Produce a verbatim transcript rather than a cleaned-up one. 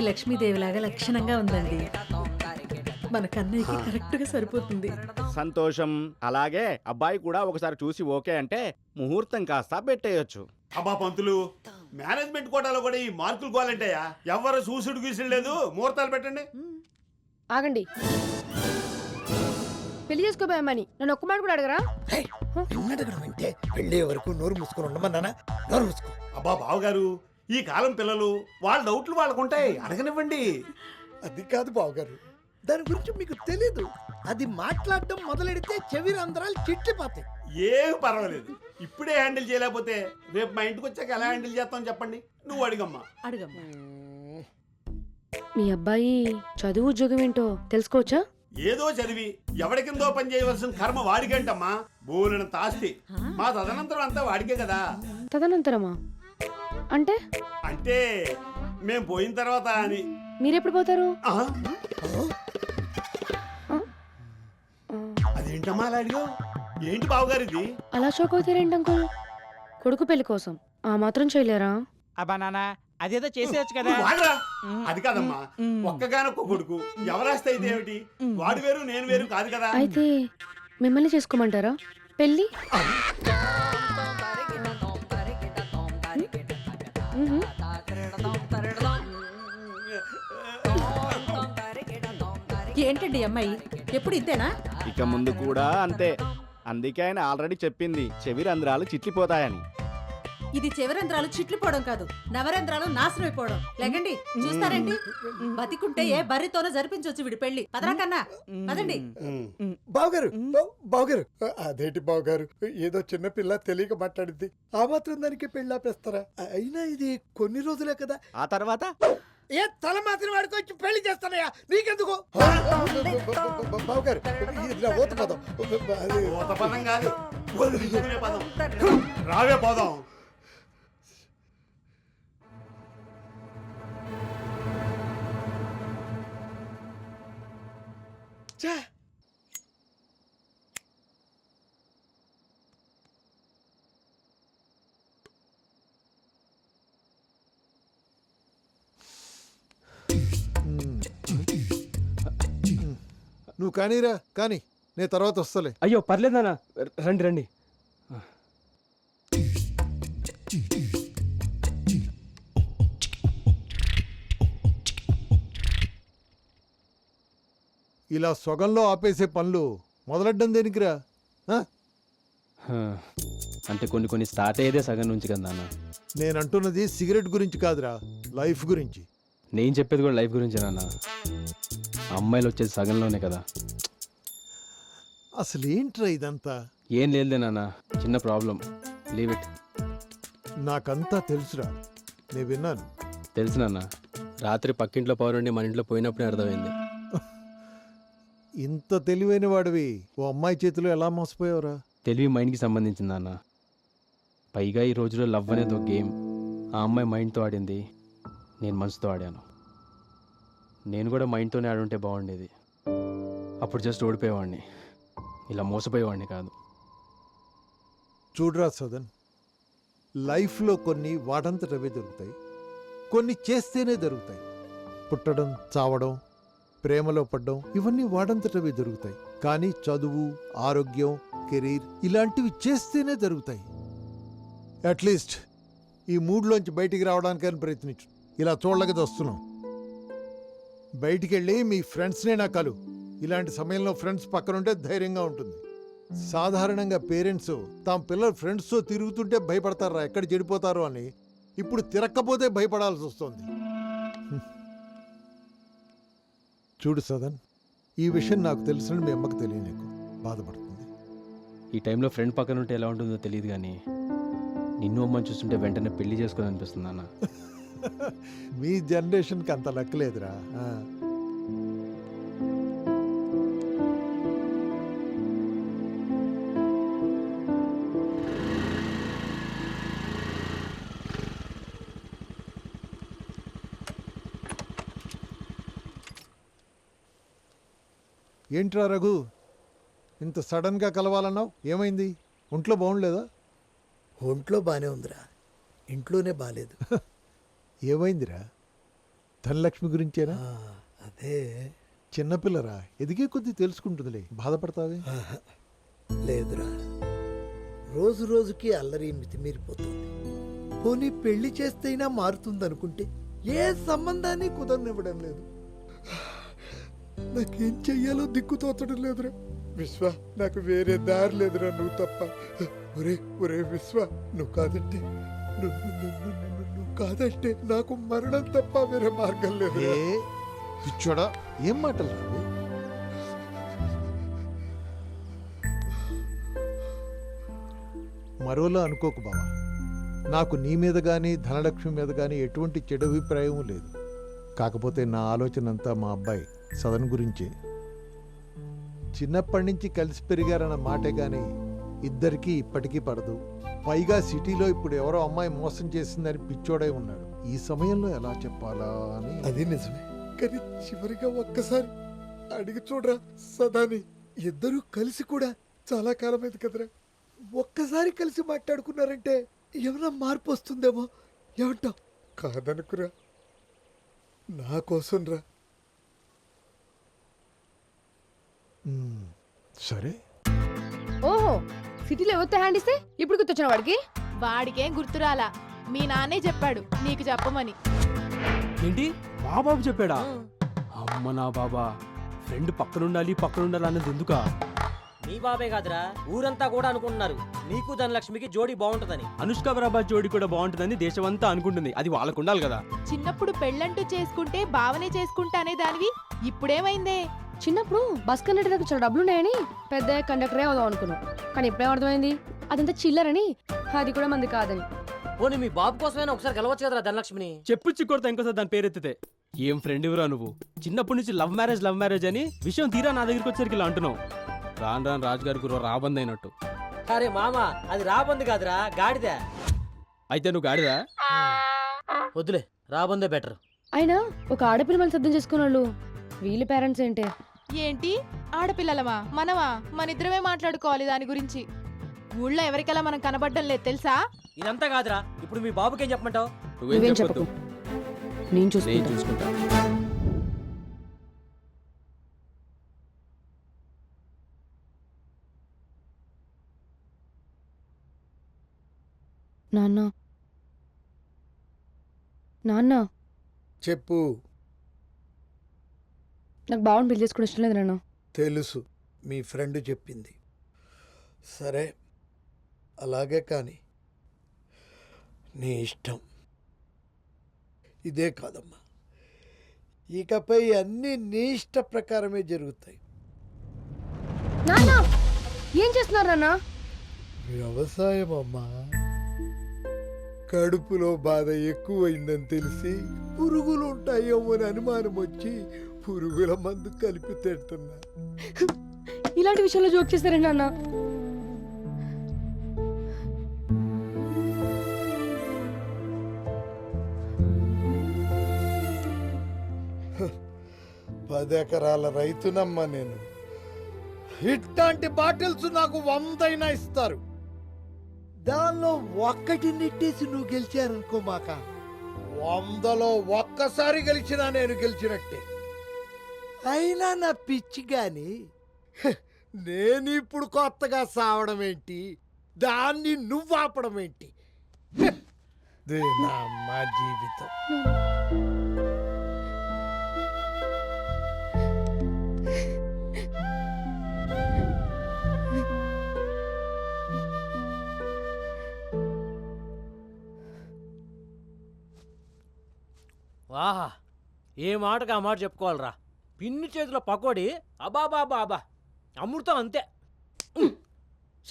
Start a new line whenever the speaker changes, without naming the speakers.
లక్ష్మీదేవిలాగా లక్షణంగా ఉందండి. మన కన్నయ్యకి కరెక్ట్ గా సరిపోతుంది.
సంతోషం. అలాగే అబ్బాయి కూడా ఒకసారి చూసి ఓకే అంటే ముహూర్తం కాస్త పెట్టేయొచ్చు.
అబ్బా పంతులు, మేనేజ్మెంట్ కోటాలో కూడా ఈ మార్కులు కోవాలంటాయా? ఎవరు చూసుడు గీసుడు లేదు, ముహూర్తాలు పెట్టండి.
ఆగండి, పెళ్లి చేసుకోబోయామని నన్ను ఒక్క మాట కూడా అడగరా?
అడగడం అంటే పెళ్ళే వరకు నోరు మూసుకొని ఉండమన్నానా? నోరు మూసుకో.
అబ్బా బావగారు, ఈ కాలం పిల్లలు వాళ్ళ డౌట్లు వాళ్ళకుంటాయి, అడగనివ్వండి.
అది కాదు బావగారు, దాని గురించి మీకు తెలీదు. అది మాట్లాడడం మొదలెడితే చెవి రంధ్రాలు చిట్లిపోతాయి.
ఏం పర్వాలేదు, ఇప్పుడే హ్యాండిల్ చేయలేకపోతే రేపు మా ఇంటికి వచ్చాక ఎలా హ్యాండిల్ చేస్తాం చెప్పండి. నువ్వు అడిగమ్మా.
అడుగమ్మా.
మీ అబ్బాయి చదువు ఉద్యోగం ఏంటో తెలుసుకోవచ్చా?
ఏదో చదివి ఎవడికిందో పని చేయవలసిన కర్మ వాడికేంటమ్మా. బోలెనంత ఆస్తి మా తదనంతరం అంతా వాడికే కదా.
తదనంతరమా అంటే?
అంటే మేం పోయిన తర్వాత అని.
మీరెప్పుడు పోతారు?
ఆహా. అదేంటమ్మా అలా అడిగావు? ఏంటి బావగారు ఇది?
అలా షోక్ అవుతారేంటి అంకుల్? కొడుకు పెళ్లి కోసం ఆ మాత్రం చేయలేరా?
అబ్బా నాన్న, అదేదో చేసేయచ్చు కదా.
నువ్వు వాడరా. అది కాదమ్మా, ఒక్కగానొక్క కొడుకు, ఎవరాస్తే అయితే ఏమిటి? వాడు వేరు నేను వేరు కాదు కదా.
అయితే మిమ్మల్ని చేసుకోమంటారా పెళ్లి?
ఏంటండి అమ్మాయి ఎప్పుడు ఇంతేనా?
ఇక ముందు కూడా అంతే. అందుకే ఆయన ఆల్రెడీ చెప్పింది చెవి రంధ్రాలు చిట్లిపోతాయని.
ఇది చివరంధ్రాలు చిట్లిపోవడం కాదు, నవరంధ్రాలు నాశనం అయిపోవడం. లేకండి, చూస్తారేంటి? బతికుంటే ఏ బర్రితోనో జరిపించవచ్చు వీడి పెళ్లి. పదరా కన్నా, పదండి.
బావగారు, బావగారు, అదేంటి బావగారు, ఏదో చిన్న పిల్ల తెలియక మాట్లాడింది, ఆ మాత్రం దానికి పెళ్ళి ఆపేస్తారా? అయినా ఇది కొన్ని రోజులే కదా.
ఆ తర్వాత
ఏ తల మాత్రం వాడికి వచ్చి పెళ్లి చేస్తానయ్యా, నీకెందుకు? బావగారు, ఇది నా ఊత పదం. అది
ఊత పదం కాదు, వదిలించుకునే పదం. రావే పోదాం.
ఛే! నువ్వు కానీరా, కానీ నేను తర్వాత వస్తలే.
అయ్యో పర్లేదు నాన్న, రండి రండి.
ఇలా సొగంలో ఆపేసే పనులు మొదలెడ్డం దేనికిరా? ఆ?
హా, అంటే కొన్ని కొన్ని స్టార్ట్ అయ్యేదే సగం నుంచి కదా నాన్న.
నేనంటున్నది సిగరెట్ గురించి కాదురా, లైఫ్ గురించి.
నేను చెప్పేది కూడా లైఫ్ గురించి నాన్న. అమ్మాయిలు వచ్చేది సగంలోనే కదా.
అసలు ఏంట్రా ఇదంతా?
ఏం లేదులే నాన్న, చిన్న ప్రాబ్లం, లీవ్ ఇట్.
నాకంతా తెలుసురా, నేను విన్నాను.
తెలుసు నాన్న, రాత్రి పక్కింట్లో పౌరుండి మన ఇంట్లో పోయినప్పుడే అర్థమైంది.
ఇంత తెలివైన వాడివి ఓ అమ్మాయి చేతిలో ఎలా మోసపోయావురా?
తెలివి మైండ్కి సంబంధించింది నాన్న. పైగా ఈ రోజులో లవ్ అనేది ఒక గేమ్. ఆ అమ్మాయి మైండ్తో ఆడింది, నేను మనసుతో ఆడాను. నేను కూడా మైండ్తోనే ఆడుంటే బాగుండేది. అప్పుడు జస్ట్ ఓడిపోయేవాడిని, ఇలా మోసపోయేవాడిని కాదు.
చూడరా సదన్, లైఫ్లో కొన్ని వాటంతటవే దొరుకుతాయి, కొన్ని చేస్తేనే దొరుకుతాయి. పుట్టడం, చావడం, ప్రేమలో పడ్డం, ఇవన్నీ వాడంతటవే దొరుకుతాయి. కానీ చదువు, ఆరోగ్యం, కెరీర్ ఇలాంటివి చేస్తేనే జరుగుతాయి. అట్లీస్ట్ ఈ మూడ్లోంచి బయటికి రావడానికైనా ప్రయత్నించు. ఇలా చూడలేక వస్తున్నాం. బయటికి వెళ్ళి మీ ఫ్రెండ్స్నే నా కలు. ఇలాంటి సమయంలో ఫ్రెండ్స్ పక్కనుంటే ధైర్యంగా ఉంటుంది. సాధారణంగా పేరెంట్స్ తమ పిల్లలు ఫ్రెండ్స్తో తిరుగుతుంటే భయపడతారా ఎక్కడ చెడిపోతారో అని. ఇప్పుడు తిరక్కపోతే భయపడాల్సి వస్తుంది. చూడు సదన్, ఈ విషయం నాకు తెలుసని మీ అమ్మకు తెలియనీకు, బాధపడుతుంది.
ఈ టైంలో ఫ్రెండ్ పక్కన ఉంటే ఎలా ఉంటుందో తెలియదు, కానీ నిన్ను అమ్మని చూస్తుంటే వెంటనే పెళ్లి చేసుకొని అనిపిస్తుంది అన్న.
మీ జనరేషన్కి అంత లెక్కలేదురా. ఏంట్రా రఘు, ఇంత సడన్గా కలవాలన్నావు? ఏమైంది? ఒంట్లో బాగుండలేదా?
ఒంట్లో బాగానే ఉందిరా, ఇంట్లోనే బాగాలేదు.
ఏమైందిరా? ధనలక్ష్మి గురించేనా?
ఆ, అదే
చిన్నపిల్లరా, ఎదిగే కొద్దీ తెలుసుకుంటుందిలే, బాధపడతావే.
ఆహా, లేదురా, రోజు రోజుకి అల్లరి మితిమీరిపోతుంది. పోనీ పెళ్లి చేస్తేనా మారుతుందనుకుంటే ఏ సంబంధాన్ని కుదరనివ్వడం లేదు. నాకేం చెయ్యాలో దిక్కు తోచడం లేదురా. విశ్వ, నాకు వేరే దారి లేదురా, నువ్వు తప్ప. ఒరే ఒరే విశ్వ, నువ్వు కాదంటే నువ్వు నువ్వు- నువ్వు- నువ్వు- నువ్వు కాదంటే నాకు మరణం తప్ప వేరే మార్గం లేదు.
ఏ పిచ్చోడా, ఏం మాటలు రావు? మరోలా అనుకోకు బావా, నాకు నీ మీద కానీ ధనలక్ష్మి మీద కానీ ఎటువంటి చెడు అభిప్రాయం లేదు. కాకపోతే నా ఆలోచన అంతా మా అబ్బాయి సదన్ గురించే. చిన్నప్పటి నుంచి కలిసి పెరిగారన్న మాటే కానీ ఇద్దరికీ ఇప్పటికీ పడదు. పైగా సిటీలో ఇప్పుడు ఎవరో అమ్మాయి మోసం చేసిందని పిచ్చోడై ఉన్నాడు. ఈ సమయంలో ఎలా చెప్పాలా అని.
అది నిజమే, కానీ చివరిగా ఒక్కసారి అడిగి చూడరా సదాని. ఇద్దరూ కలిసి కూడా చాలా కాలమైంది కదరా. ఒక్కసారి కలిసి మాట్లాడుకున్నారంటే ఏమైనా మార్పు వస్తుందేమో. ఏమంటావు? కాదనుకురా, నా కోసం రా.
మ్మ్, సరే.
ఓహో, సిటీలో ఎవరితో హ్యాండ్ ఇస్తే ఇప్పుడు గుర్తొచ్చిన వాడికి.
వాడికేం గుర్తురాలా, మీ నాన్నే చెప్పాడు నీకు చెప్పమని.
ఏంటి మా బాబు చెప్పాడా? అమ్మ నా బాబా, ఫ్రెండ్ పక్కనుండాలి పక్కనుండాలి అన్నది ఎందుకా?
మీ బాబే కాదురా, ఊరంతా కూడా అనుకుంటున్నారు నీకు ధనలక్ష్మికి జోడీ బాగుంటుందని.
అనుష్క ప్రభాస్ జోడి కూడా బాగుంటుందని దేశమంతా అనుకుంటుంది. అది వాళ్ళకు ఉండాలి కదా.
చిన్నప్పుడు పెళ్ళంటూ చేసుకుంటే బావనే చేసుకుంటా అనే దానివి ఇప్పుడేమైందే?
చిన్నప్పుడు బస్ కండక్టర్ చాలా డబ్బులు ఉన్నాయని పెద్ద కండక్టరే అవుదాం అనుకున్నాం. కానీ ఇప్పుడేం అర్థమైంది, అదంతా చిల్లరని, అది కూడా మంది కాదని.
పోనీ మీ బాబు కోసమైనా ఒకసారి గెలవచ్చు కదరా ధనలక్ష్మిని.
చెప్పు చిక్కొడతా ఇంకోసారి దాని పేరెత్తితే. ఏం ఫ్రెండ్ ఇవరా నువ్వు? చిన్నప్పటి నుంచి లవ్ మ్యారేజ్ లవ్ మ్యారేజ్ అని విషయం తీరా నా దగ్గరికి వచ్చేసరికి ఇలా అంటున్నావు. రాను రాను రాజుగారి గురు రాబంద్ అయినట్టు.
అరే మామ, అది రాబంది కాదురా, గాడిదే.
అయితే నువ్వు గాడిదా?
వద్దులే, రాబందే బెటర్.
అయినా ఒక ఆడపిల్ల మనం సిద్ధం చేసుకున్న వాళ్ళు వీళ్ళ పేరెంట్స్ ఏంటే?
ఏంటి ఆడపిల్లలమా మనమా? మనిద్దరమే మాట్లాడుకోవాలి దాని గురించి. ఊళ్ళో ఎవరికెలా మనం కనబడ్డం లేదు తెలుసా?
ఇదంతా కాదురా, ఇప్పుడు మీ బాబుకేం చెప్పమంటావు?
నువ్వేం చెప్పకు, నేను
నేను
చూసుకుంటా.
చూసుకుంటా.
నాన్న నాన్న
చెప్పు.
నాకు బాగుండి పెళ్లి చేసుకోవడం ఇష్టం లేదు నాన్న.
తెలుసు, మీ ఫ్రెండ్ చెప్పింది. సరే, అలాగే కానీ నీ ఇష్టం. ఇదే కాదమ్మా, ఇకపై అన్నీ నీ ఇష్ట ప్రకారమే జరుగుతాయి.
నాన్న ఏం చేస్తున్నారు నాన్న?
వ్యవసాయం అమ్మా. కడుపులో బాధ ఎక్కువైందని తెలిసి పురుగులు ఉంటాయేమో అని అనుమానం వచ్చి పురుగుల మందు కలిపి తింటున్నా.
ఇలాంటి విషయంలో జోక్ చేస్తారే నాన్న?
పది ఎకరాల రైతునమ్మా నేను. ఇట్లాంటి బాటిల్స్ నాకు వందైనా ఇస్తారు. దానిలో ఒక్కటి నెట్టేసి నువ్వు గెలిచారనుకో, మాక వందలో ఒక్కసారి గెలిచినా నేను గెలిచినట్టే. అయినా నా పిచ్చి గాని, హ, నేను ఇప్పుడు కొత్తగా సావడం ఏంటి, దాన్ని నువ్వు ఆపడం ఏంటి? హ, ఇదే నా అమ్మ జీవితం.
వాహా, ఏ మాటకు ఆ మాట చెప్పుకోవాలరా. పిన్ని చేతిలో పకోడి, అబాబా అబా అబా, అమృతం అంతే.